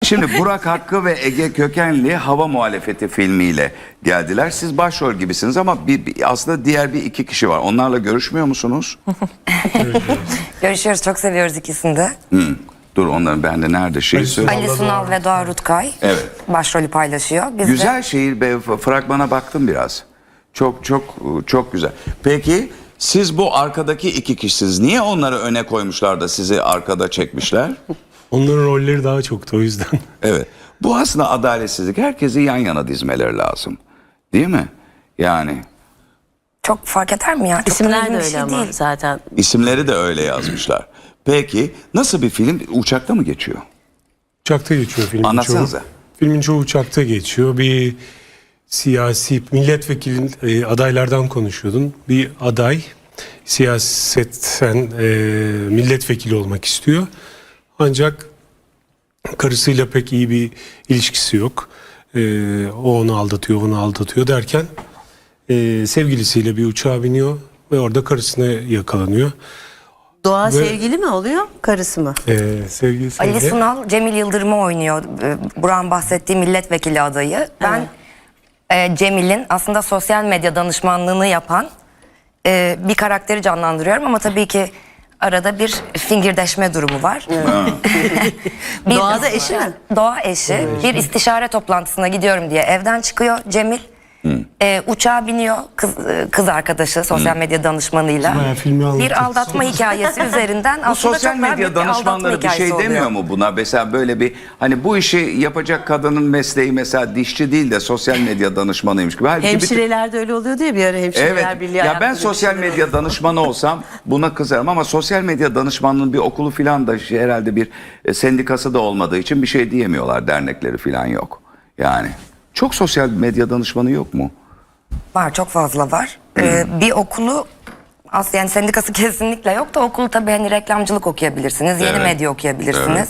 Şimdi Burak Hakkı ve Ege Kökenli Hava Muhalefeti filmiyle geldiler. Siz başrol gibisiniz ama aslında diğer iki kişi var. Onlarla görüşmüyor musunuz? Görüşüyoruz, çok seviyoruz ikisini de. Dur onların bende nerede söyle. Ali Sunal ve Doğa Rutkay başrolü paylaşıyor. Biz Güzel şehir be, fragmana baktım biraz. Çok güzel. Peki siz bu arkadaki iki kişisiniz. Niye onları öne koymuşlar da sizi arkada çekmişler? Onların rolleri daha çoktu o yüzden. Evet. Bu aslında adaletsizlik. Herkesi yan yana dizmeleri lazım. Değil mi? Yani. Çok fark eder mi ya? Çok İsimler önemli de bir öyle şey ama değil. zaten. İsimleri de öyle yazmışlar. Peki nasıl bir film? Uçakta mı geçiyor? Uçakta geçiyor filmin çoğu. Anlatsanıza. Filmin çoğu uçakta geçiyor. Bir siyasi milletvekili adaylardan konuşuyordun. Bir aday siyasetten milletvekili olmak istiyor. Ancak karısıyla pek iyi bir ilişkisi yok. O onu aldatıyor derken sevgilisiyle bir uçağa biniyor ve orada karısına yakalanıyor. Doğa sevgili mi oluyor, karısı mı? Sevgilisiyle... Ali Sunal, Cemil Yıldırım'ı oynuyor. Burak'ın bahsettiği milletvekili adayı. Ben Cemil'in aslında sosyal medya danışmanlığını yapan bir karakteri canlandırıyorum ama tabii ki arada bir fingirdeşme durumu var. Doğa da eşi mi? Doğa eşi. Bir istişare toplantısına gidiyorum diye evden çıkıyor Cemil. Uçağa biniyor kız arkadaşı sosyal medya danışmanıyla. Bir aldatma hikayesi üzerinden Bu aslında sosyal çok daha medya büyük bir aldatma danışmanları bir şey hikayesi oluyor. demiyor mu buna? Mesela böyle bir hani bu işi yapacak kadının mesleği mesela dişçi değil de sosyal medya danışmanıymış gibi. Halbuki Hemşireler de öyle oluyor diye bir ara Hemşireler Evet. Birliği. Ya ben yaptı sosyal bir şeyler medya danışmanı olsam buna kızarım ama sosyal medya danışmanlığının bir okulu falan da herhalde bir sendikası da olmadığı için bir şey diyemiyorlar. Dernekleri falan yok. Yani çok sosyal medya danışmanı yok mu? Var, çok fazla var. Bir okulu aslında yani sendikası kesinlikle yok da okulu tabii hani reklamcılık okuyabilirsiniz, yeni medya okuyabilirsiniz.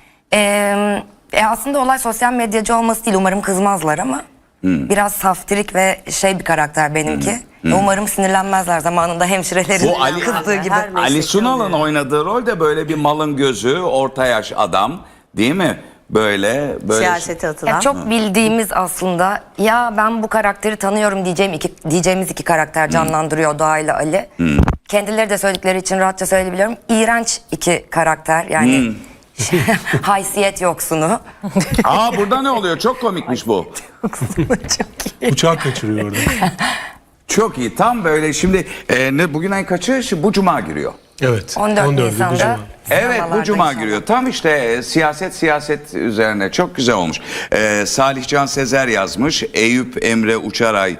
Aslında olay sosyal medyacı olması değil, umarım kızmazlar ama biraz saftirik ve bir karakter benimki. Umarım sinirlenmezler zamanında hemşirelerin Bu Ali, kızdığı gibi. Ali Sunal'ın oynadığı rol de böyle bir malın gözü, orta yaş adam değil mi? Böyle Siyasete atılan. Ya çok bildiğimiz aslında ya ben bu karakteri tanıyorum diyeceğimiz iki karakter canlandırıyor Doğa ile Ali. Kendileri de söyledikleri için rahatça söyleyebiliyorum. İğrenç iki karakter yani haysiyet yoksunu. Burada ne oluyor? Çok komikmiş bu. Uçağı kaçırıyor orada. Çok iyi. Tam böyle şimdi bugün ay kaçı? Bu cuma giriyor. Evet. 14 14'ü bu Nisan'da. cuma. Evet bu Sinemalarda cuma inşallah. giriyor. Tam işte siyaset üzerine çok güzel olmuş. Salih Can Sezer yazmış. Eyüp Emre Uçaray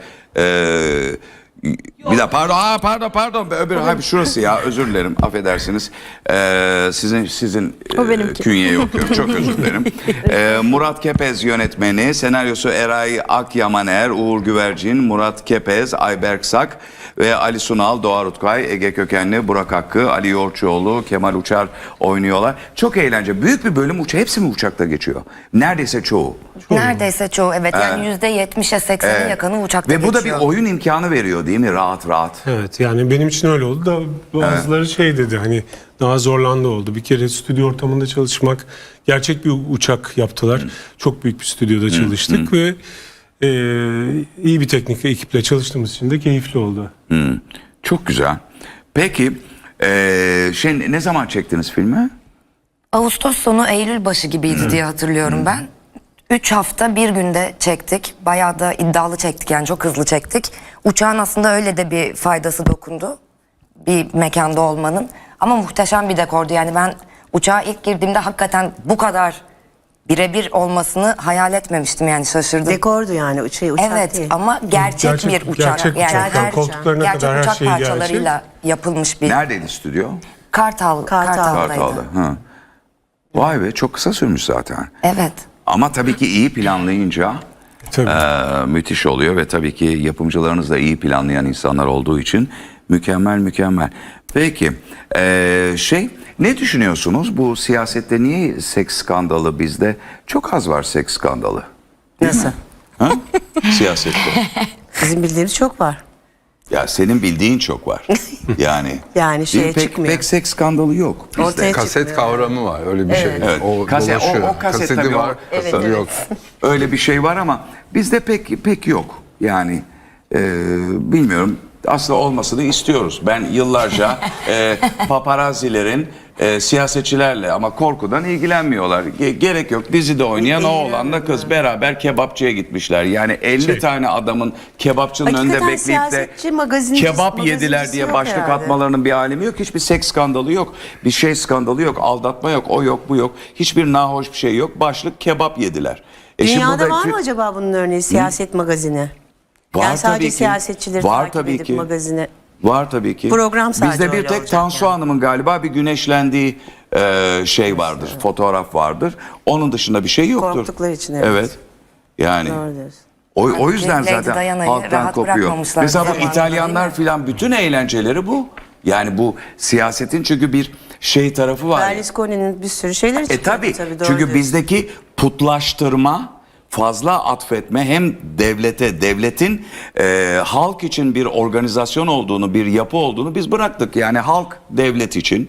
bir de pardon öbür şurası ya özür dilerim affedersiniz. Sizin künyeyi okuyorum çok özür dilerim. Murat Kepez yönetmeni, senaryosu Eray Akyamaner, Uğur Güvercin, Murat Kepez, Ayberk Sak ve Ali Sunal, Doğa Rutkay, Ege Kökenli, Burak Hakkı, Ali Yoğurtçuoğlu, Kemal Uçar oynuyorlar. Çok eğlence. Büyük bir bölüm hepsi mi uçakta geçiyor? Neredeyse çoğu. Neredeyse çoğu evet yani %70'e 80'e yakını uçakta Ve bu da bir geçiyor. oyun imkanı veriyor değil mi? Rahat. Evet yani benim için öyle oldu da bazıları dedi hani daha zorlandı oldu. Bir kere stüdyo ortamında çalışmak, gerçek bir uçak yaptılar. Çok büyük bir stüdyoda çalıştık ve iyi bir teknik ekiple çalıştığımız için de keyifli oldu. Çok güzel. Peki ne zaman çektiniz filmi? Ağustos sonu Eylül başı gibiydi diye hatırlıyorum ben. 3 hafta bir günde çektik. Bayağı da iddialı çektik yani çok hızlı çektik. Uçağın aslında öyle de bir faydası dokundu. Bir mekanda olmanın. Ama muhteşem bir dekordu. Yani ben uçağa ilk girdiğimde hakikaten bu kadar birebir olmasını hayal etmemiştim yani şaşırdım. Dekordu yani uçak Evet değil. ama gerçek bir uçak. Gerçek uçak. Yani koltuklarına gerçek kadar her uçak şey gerçek. parçalarıyla yapılmış bir. Neredeydi stüdyo? Kartal'daydı. Kartal'da. Vay be çok kısa sürmüş zaten. Evet. Ama tabii ki iyi planlayınca müthiş oluyor ve tabii ki yapımcılarınız da iyi planlayan insanlar olduğu için mükemmel. Peki ne düşünüyorsunuz bu siyasette niye seks skandalı bizde çok az var seks skandalı? Nasıl? Siyasette. Bizim bildiğimiz çok var. Ya senin bildiğin çok var. Yani Yani şeye pek, çıkmıyor. pek seks skandalı yok bizde. Ortaya Kaset kavramı var, öyle bir şey. Evet. O Kaset- o dolaşıyor. kaset Kaseti tabii, var, o- kaseti yok. Öyle bir şey var ama bizde pek yok. Yani bilmiyorum. Aslında olmasını istiyoruz. Ben yıllarca paparazzilerin siyasetçilerle ama korkudan ilgilenmiyorlar. Gerek yok. Dizide oynayan o oğlanla kız beraber kebapçıya gitmişler. Yani 50 tane adamın kebapçının Hakikaten önünde bekleyip de siyasetçi, magazinci- kebap yediler magazincisi diye yok başlık herhalde. atmalarının bir alemi yok. Hiçbir seks skandalı yok. Bir şey skandalı yok. Aldatma yok. O yok, bu yok. Hiçbir nahoş bir şey yok. Başlık kebap yediler. Şimdi Dünyada burada- var mı acaba bunun örneği, siyaset magazini? Var Yani sadece tabii ki. siyasetçileri Var takip tabii edip ki. magazine. Var tabii ki. Program sadece Bizde bir öyle tek olacak Tansu yani. Hanım'ın galiba bir güneşlendiği şey vardır. Fotoğraf vardır. Onun dışında bir şey yoktur. Korktukları için, evet. Yani Doğru diyorsun. o yüzden Lady zaten Diana'yı halktan rahat kopuyor. bırakmamışlar Mesela bu zamanında, İtalyanlar değil mi? filan bütün eğlenceleri bu. Yani bu siyasetin çünkü bir şey tarafı var. Berlusconi'nin bir sürü şeyleri çıkıyor. Tabii. doğru Çünkü diyorsun. bizdeki putlaştırma, fazla atfetme hem devletin halk için bir organizasyon olduğunu, bir yapı olduğunu biz bıraktık. Yani halk devlet için,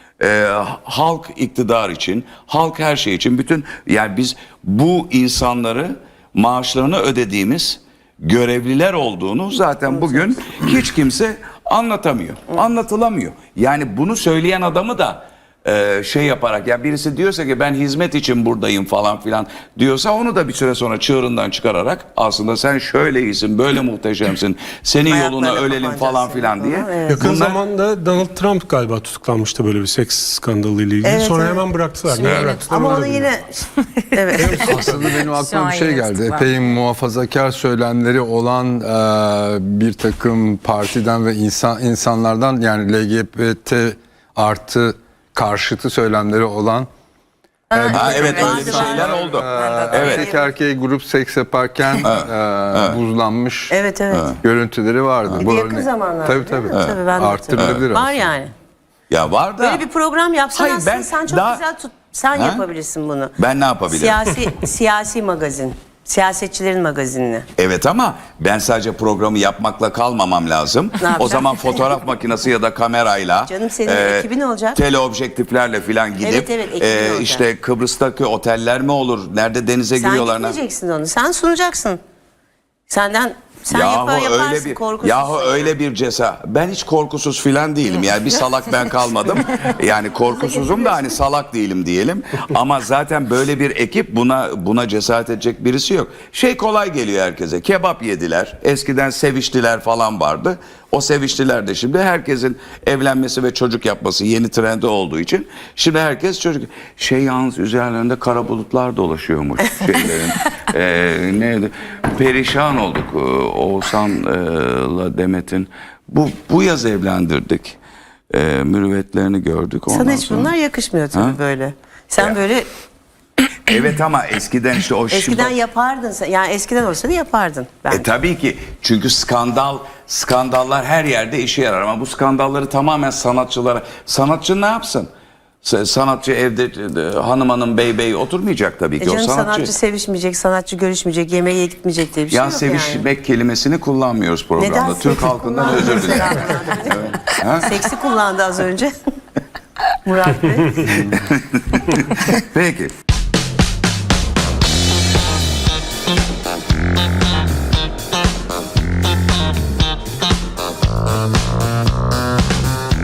halk iktidar için, halk her şey için. Yani biz bu insanları maaşlarını ödediğimiz görevliler olduğunu zaten bugün hiç kimse anlatamıyor. Anlatılamıyor. Yani bunu söyleyen adamı da şey yaparak, ya birisi diyorsa ki ben hizmet için buradayım falan filan diyorsa onu da bir süre sonra çığırından çıkararak aslında sen şöyle iyisin, böyle muhteşemsin, senin yoluna Ayaklarına ölelim kapanacağız falan senin filan diye. falan, evet. Yakın Bunlar- zamanda Donald Trump galiba tutuklanmıştı böyle bir seks skandalı ile ilgili. Evet, Sonra evet. hemen bıraktılar. Niye bıraktılar? Ama onu da onu bilmiyorum. yine evet. Aslında benim Şu aklıma an bir şey yine geldi. tutuklar. Epey muhafazakar söylemleri olan bir takım partiden ve insanlardan, yani LGBT artı karşıtı söylemleri olan Ha, evet öyle bir Vardı, şeyler vardı. oldu. evet. erkek erkeğe grup seks yaparken buzlanmış Evet, evet. görüntüleri vardı. Bir de yakın zamanlarda. Tabii değil tabii. mi? Tabii, ben de Arttırılabilir hatırlıyorum. Var aslında. yani. Ya var da Böyle bir program yapsan Hayır, aslında ben sen çok daha- güzel sen Ha? yapabilirsin bunu. ben ne yapabilirim? Siyasi magazin. Siyasetçilerin magazinini. Evet ama ben sadece programı yapmakla kalmamam lazım. Ne yapacaksın? O zaman fotoğraf makinesi ya da kamerayla, Canım, senin ekibin olacak. teleobjektiflerle falan gidip, Evet, evet, ekibin olacak. işte Kıbrıs'taki oteller mi olur, nerede denize Sen giriyorlar? gitmeyeceksin onu. Sen sunacaksın. Sen yaparsın korkusuz. Yahu öyle bir cesaret. Ben hiç korkusuz filan değilim. Yani bir salak ben kalmadım. Yani korkusuzum da hani salak değilim diyelim. Ama zaten böyle bir ekip buna cesaret edecek birisi yok. Şey kolay geliyor herkese. Kebap yediler. Eskiden seviştiler falan vardı. O seviştiler de şimdi herkesin evlenmesi ve çocuk yapması yeni trendi olduğu için şimdi herkes çocuk. Yalnız üzerlerinde kara bulutlar dolaşıyormuş şeylerin. Neydi? Perişan olduk. Oğuzhan'la Demet'in bu yaz evlendirdik. Mürüvvetlerini gördük. Ondan Sana hiç sonra- bunlar yakışmıyor tabii Ha? böyle. Sen Ya. böyle Evet ama eskiden işte o eskiden yapardın. Yani eskiden olsa da yapardın. Ben. Tabii ki çünkü skandallar her yerde işe yarar ama bu skandalları tamamen sanatçı ne yapsın? Sanatçı evde hanım bey oturmayacak tabii ki. O Canım, sanatçı. sanatçı sevişmeyecek, sanatçı görüşmeyecek, yemeğe gitmeyecek diye bir şey Ya yok sevişmek kelimesini kullanmıyoruz programda. Neden? Türk Seksi halkından kullandı. özür dilerim. yani. Seksi kullandı az önce. Murat Bey. Peki.